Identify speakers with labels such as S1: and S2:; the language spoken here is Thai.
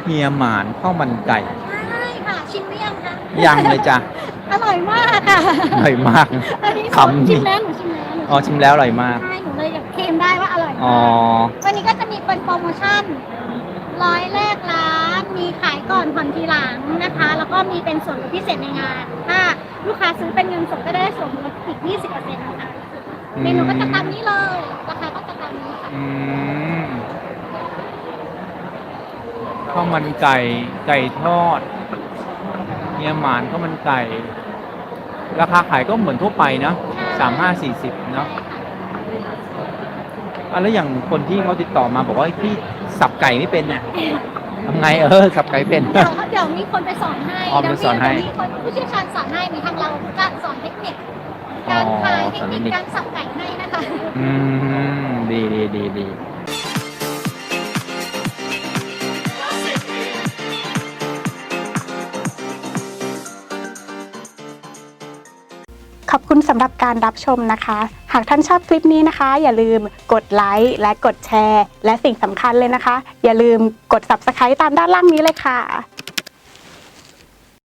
S1: เฮียหมานข้าวมันไก่
S2: ใช่ค่ะชิมหรือยังคะ
S1: ยังเลยจ้ะ
S2: อร่อยมากค่ะ
S1: อร่อยมาก
S2: อันนี้
S1: คำ
S2: ชิม
S1: นี่
S2: แล้วหนูชิมแล้ว
S1: อ๋อชิมแล้วอร่อยมาก
S2: ใช่หนูเลยอยากเคลมได้ว่าอร่อย
S1: อ๋อ
S2: มากวันนี้ก็จะมีเป็นโปรโมชั่น100แรกร้านมีขายก่อนผ่อนทีหลังนะคะ แล้วก็มีเป็นส่วนลดพิเศษในงาน ถ้าลูกค้าซื้อเป็นเงินสดก็ได้ส่วนลดอีก 20%นะคะเมนูก็จะตามนี้เลยราคาก็จะตามนี้ค่ะ
S1: อืมข้าวมันไก่ไก่ทอดเฮียหมานข้าวมันไก่ ราคาขายก็เหมือนทั่วไปเนาะ35-40เนาะแล้วอย่างคนที่เขาติดต่อมาบอกว่าพี่สับไก่ไม่เป็นเนี่ยทำไงสับไก่เป็น
S2: เดี๋ยวมีคนไปสอนให้
S1: อ๋อไปสอนให้
S2: เดี๋ยวมีคนผู้เชี่ยวชาญสอนให้มีทางเราจะสอนเทคนิคการขายเทคนิคการสับไก่ให้นะคะ
S1: อืมดี
S3: ขอบคุณสำหรับการรับชมนะคะ หากท่านชอบคลิปนี้นะคะ อย่าลืมกดไลค์และกดแชร์ และสิ่งสำคัญเลยนะคะ อย่าลืมกด Subscribe ตามด้านล่างนี้เลยค่ะ